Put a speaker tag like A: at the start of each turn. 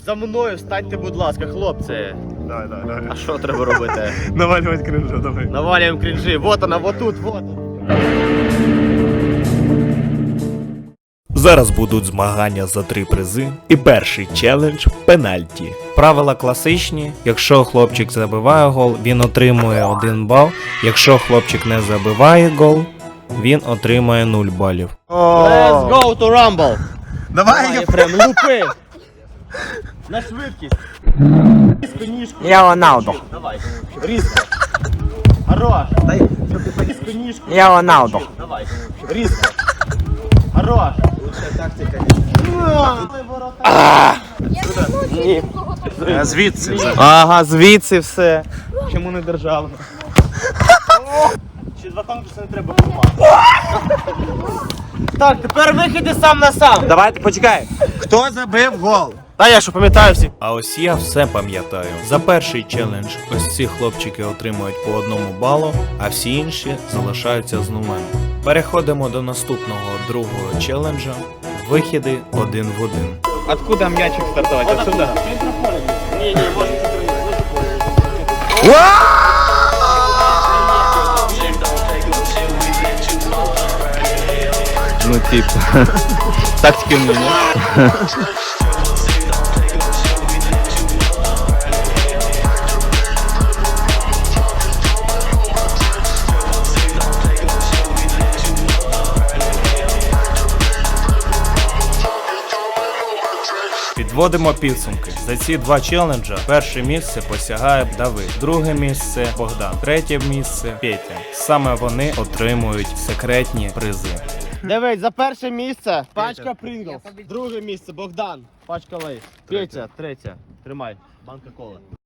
A: За мною встаньте, будь ласка, хлопці.
B: Давай.
A: А що треба робити?
B: Навалювати кринжу, давай.
A: Навалюємо крінжі. Вот вона, вот тут, вот.
C: Зараз будуть змагання за 3 призи. І перший челендж – пенальті. Правила класичні. Якщо хлопчик забиває гол, він отримує 1 бал. Якщо хлопчик не забиває гол, він отримує 0 балів.
A: Let's go to Rumble.
B: Давай,
A: Прям лупи. На швидкість. Різко ніжку.
D: Я Роналдо.
A: Давай. Різко. Хорош. Дай, щоб ти різко ніжку.
D: Я Роналдо.
A: Давай. Різко. Хорош. Лучшая тактика. Ні.
B: Звідси.
A: Ага, звідси все. Чому не державно? Ще 2 конкурси не треба приймати. Так, тепер вихід сам на сам.
D: Давайте почекай.
B: Хто забив гол?
A: Та я що пам'ятаю всі.
C: А ось я все пам'ятаю. За перший челендж ось ці хлопчики отримують по 1 балу, а всі інші залишаються з нулем. Переходимо до наступного другого челенджа. Вихіди 1 в 1.
A: Откуда м'ячик стартувати? Отсюда? Ні, може Ну типа. Тактики у меня.
C: Підводимо підсумки. За ці 2 челенджа перше місце посягає Давид, друге місце Богдан, третє місце Петя. Саме вони отримують секретні призи.
A: Дивись, за перше місце пачка Принглс. Друге місце Богдан, пачка Лейс. Петя, третє. Тримай, банка коли.